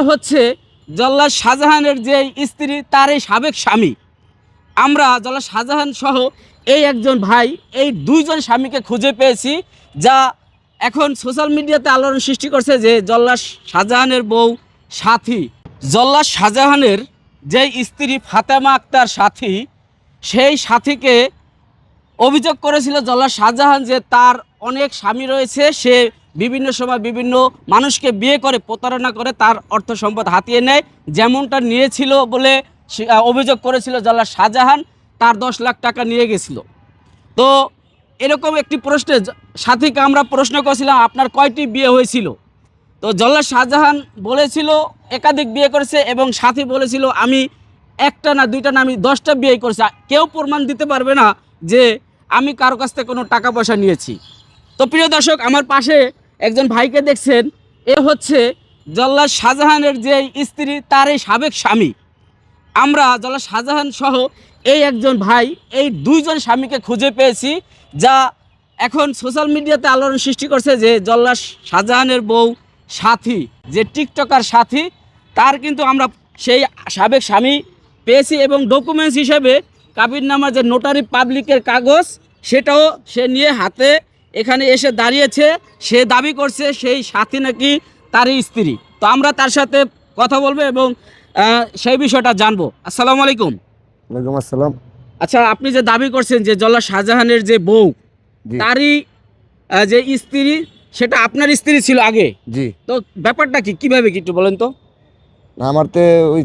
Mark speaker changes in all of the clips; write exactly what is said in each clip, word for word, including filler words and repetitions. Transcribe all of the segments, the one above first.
Speaker 1: হচ্ছে জল্লাদ শাহজাহানের যে স্ত্রী তার এই সাবেক স্বামী। আমরা জল্লাদ শাহজাহান সহ এই একজন ভাই এই দুইজন স্বামীকে খুঁজে পেয়েছি, যা এখন সোশ্যাল মিডিয়াতে আলোড়ন সৃষ্টি করছে যে জল্লাদ শাহজাহানের বউ সাথী। জল্লাদ শাহজাহানের যে স্ত্রী ফাতেমা আক্তার সাথী, সেই সাথীকে অভিযোগ করেছিল জল্লাদ শাহজাহান যে তার অনেক স্বামী রয়েছে, সে বিভিন্ন সময় বিভিন্ন মানুষকে বিয়ে করে প্রতারণা করে তার অর্থ সম্পদ হাতিয়ে নেয়, যেমনটা নিয়েছিল বলে অভিযোগ করেছিল জল্লাদ শাহজাহান। তার দশ লাখ টাকা নিয়ে গেছিল। তো এরকম একটি প্রশ্নে সাথীকে আমরা প্রশ্ন করেছিলাম আপনার কয়টি বিয়ে হয়েছিল। তো জল্লাদ শাহজাহান বলেছিল একাধিক বিয়ে করেছে, এবং সাথী বলেছিল আমি একটা না দুইটা না আমি দশটা বিয়ে করেছি। কেউ প্রমাণ দিতে পারবে না যে আমি কারো কাছ থেকে কোনো টাকা পয়সা নিয়েছি। তো প্রিয় দর্শক, আমার পাশে একজন ভাইকে দেখছেন, এ হচ্ছে জল্লাদ শাহজাহানের যে স্ত্রী তার এই সাবেক স্বামী। আমরা জল্লাদ শাহজাহান সহ এই একজন ভাই এই দুইজন স্বামীকে খুঁজে পেয়েছি, যা এখন সোশ্যাল মিডিয়াতে আলোড়ন সৃষ্টি করছে যে জল্লাদ শাহজাহানের বউ সাথী, যে টিকটকার সাথী, তার কিন্তু আমরা সেই সাবেক স্বামী পেয়েছি, এবং ডকুমেন্টস হিসেবে কাবিননামা যে নোটারি পাবলিকের কাগজ সেটাও সে নিয়ে হাতে এখানে এসে দাঁড়িয়েছে। সে দাবি করছে সেই সাথী নাকি তারই স্ত্রী। তো আমরা তার সাথে কথা বলবো এবং সেই বিষয়টা জানবো। আসসালামু আলাইকুম।
Speaker 2: ওয়ালাইকুম আসসালাম।
Speaker 1: আচ্ছা, আপনি যে দাবি করছেন যে জল্লাদ শাহজাহানের যে বউ তারই যে স্ত্রী, সেটা আপনার স্ত্রী ছিল আগে?
Speaker 2: জি।
Speaker 1: তো ব্যাপারটা কি, কিভাবে কি একটু বলেন তো।
Speaker 2: আমার তো ওই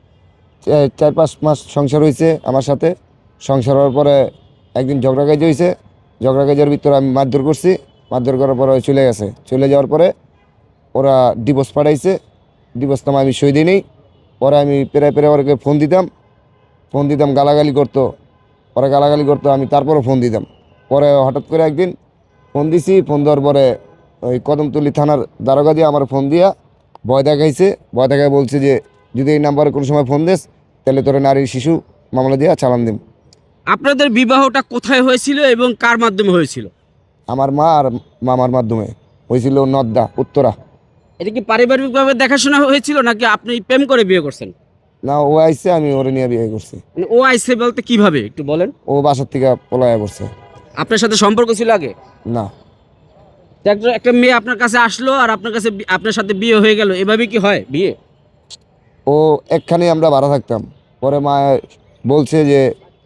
Speaker 2: চার পাঁচ মাস সংসার হয়েছে আমার সাথে। সংসার হওয়ার পরে একদিন ঝগড়া কাজ হয়েছে। ঝগড়া কাজের ভিতরে আমি মারধর করছি। মারধর করার পরে চলে গেছে। চলে যাওয়ার পরে ওরা ডিভোর্স পাঠাইছে। ডিভোর্স নামা আমি সই দিই নেই। পরে আমি পেরে পেরে ওরকে ফোন দিতাম ফোন দিতাম গালাগালি করতো। পরে গালাগালি করতো, আমি তারপরও ফোন দিতাম। পরে হঠাৎ করে একদিন ফোন দিছি। ফোন দেওয়ার পরে ওই কদমতলী থানার দারোগা দিয়ে আমার ফোন দিয়া ভয় দেখাইছে। ভয় দেখায় বলছে যে যদি এই নাম্বারে কোনো সময় ফোন দিস তাহলে তোরা নারী শিশু মামলা দিয়া চালান দিম।
Speaker 1: আপনাদের বিবাহটা কোথায় হয়েছিল এবং কার মাধ্যমে হয়েছিল?
Speaker 2: আমার মা আর মামার মাধ্যমে হয়েছিল, নদ্দা, উত্তরা।
Speaker 1: এটা কি পারিবারিকভাবে দেখাশোনা হয়েছিল নাকি আপনি প্রেম করে বিয়ে করছেন?
Speaker 2: না, ও আইসে, আমি ওরে নিয়ে বিয়ে করছি।
Speaker 1: মানে ও আইসে বলতে কিভাবে একটু বলেন।
Speaker 2: ও বাসার থেকে পলায়া করছে।
Speaker 1: আপনার সাথে সম্পর্ক ছিল আগে?
Speaker 2: না।
Speaker 1: একটা একটা মেয়ে আপনার কাছে আসলো আর আপনার কাছে আপনার সাথে বিয়ে হয়ে গেল, এভাবে কি হয় বিয়ে?
Speaker 2: ও একখানে আমরা ভাড়া থাকতাম। পরে মা বলছে যে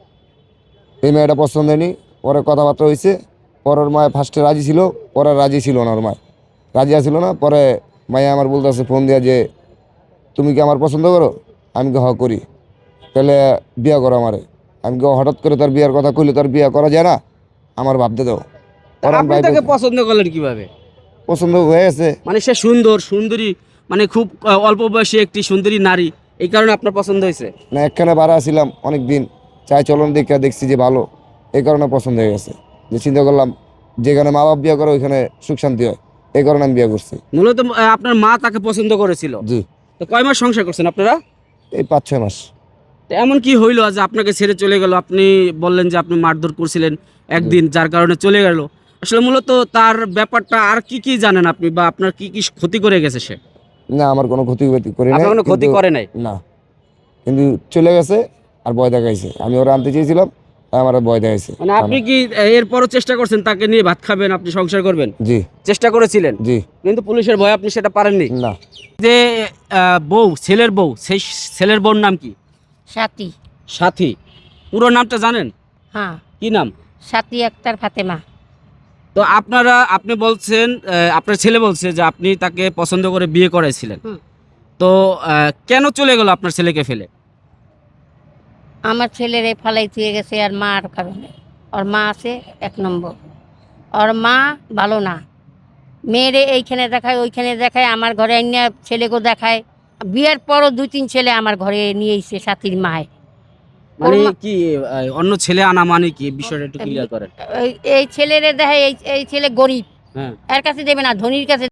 Speaker 2: এই মেয়েটা পছন্দ হয়নি। পরে কথাবার্তা হয়েছে। পরের মায় ফার্স্টে রাজি ছিল, পরে রাজি ছিল না। ওর মায় রাজি আসছিল না। পরে মায়া আমার বলতেছে ফোন দিয়া যে তুমি কি আমার পছন্দ করো? আমি কি হ করি, তাহলে বিয়ে করো আমারে। আমি কি হঠাৎ করে তার বিয়ের কথা কইলে তার বিয়ে করা যায় না, আমার ভাবতে দাও।
Speaker 1: আপনি তাকে পছন্দ করলেন কিভাবে?
Speaker 2: পছন্দ হয়ে গেছে।
Speaker 1: মানে সে সুন্দর সুন্দরী, মানে খুব অল্প বয়সী একটি সুন্দরী নারী, এই কারণে আপনার পছন্দ হয়েছে?
Speaker 2: না, একখানে ভাড়া ছিলাম অনেক দিন, চাই চলন দেখে দেখছি যে ভালো, এই কারণে পছন্দ হয়ে গেছে। যে চিন্তা করলাম যেখানে মা বাপ বিয়ে করে ওইখানে সুখ শান্তি হয়, এই কারণে আমি বিয়ে করছি।
Speaker 1: মূলত আপনার মা তাকে পছন্দ করেছিল?
Speaker 2: জি।
Speaker 1: তো কয় মাস সংসার করছেন আপনারা?
Speaker 2: এই পাঁচ ছয় মাস।
Speaker 1: তো এমন কি হইলো যে আপনাকে ছেড়ে চলে গেল? আপনি বললেন যে আপনি মারধর করছিলেন একদিন, যার কারণে চলে গেল। আসলে মূলত তার ব্যাপারটা আর কি কি জানেন আপনি, বা আপনার কি কি ক্ষতি করে গেছে সে?
Speaker 2: না, আমার কোনো ক্ষতি করি নাই।
Speaker 1: আপনার কোনো ক্ষতি করে নাই?
Speaker 2: না, কিন্তু চলে গেছে আর ভয় দেখাইছে। আমি ওরা আনতে চেয়েছিলাম, আমার ভয় দেখাইছে।
Speaker 1: মানে আপনি কি এরপরও চেষ্টা করছেন তাকে নিয়ে ভাত খাবেন, আপনি সংসার করবেন?
Speaker 2: জি।
Speaker 1: চেষ্টা করেছিলেন?
Speaker 2: জি।
Speaker 1: কিন্তু পুলিশের ভয় আপনি সেটা পারেননি?
Speaker 2: না।
Speaker 1: যে বউ, ছেলের বউ, সেই ছেলের বউর নাম কি?
Speaker 3: সাথী।
Speaker 1: সাথী। পুরো নামটা জানেন?
Speaker 3: হ্যাঁ।
Speaker 1: কি নাম?
Speaker 3: সাথী আক্তার ফাতেমা।
Speaker 1: তো আপনারা, আপনি বলছেন আপনার ছেলে বলছে যে আপনি তাকে পছন্দ করে বিয়ে করেছিলেন। তো কেন চলে গেল আপনার ছেলেকে ফেলে?
Speaker 3: আমার ছেলের এই ফালাই থুয়ে গেছে আর মা আর কারণে। ওর মা আছে এক নম্বর। ওর মা ভালো না। মেয়েরে এইখানে দেখায় ওইখানে দেখায়, আমার ঘরে এনে ছেলেকেও দেখায়। বিয়ের পরও দুই তিন ছেলে আমার ঘরে নিয়ে এসে সাথীর মায়।
Speaker 1: মানে কি অন্য ছেলে আনা মানে কি, বিষয়টা একটু ক্লিয়ার করেন।
Speaker 3: এই ছেলেরে দেখায় এই ছেলে গরিব,
Speaker 1: হ্যাঁ,
Speaker 3: এর কাছে দেবে না, ধনীর কাছে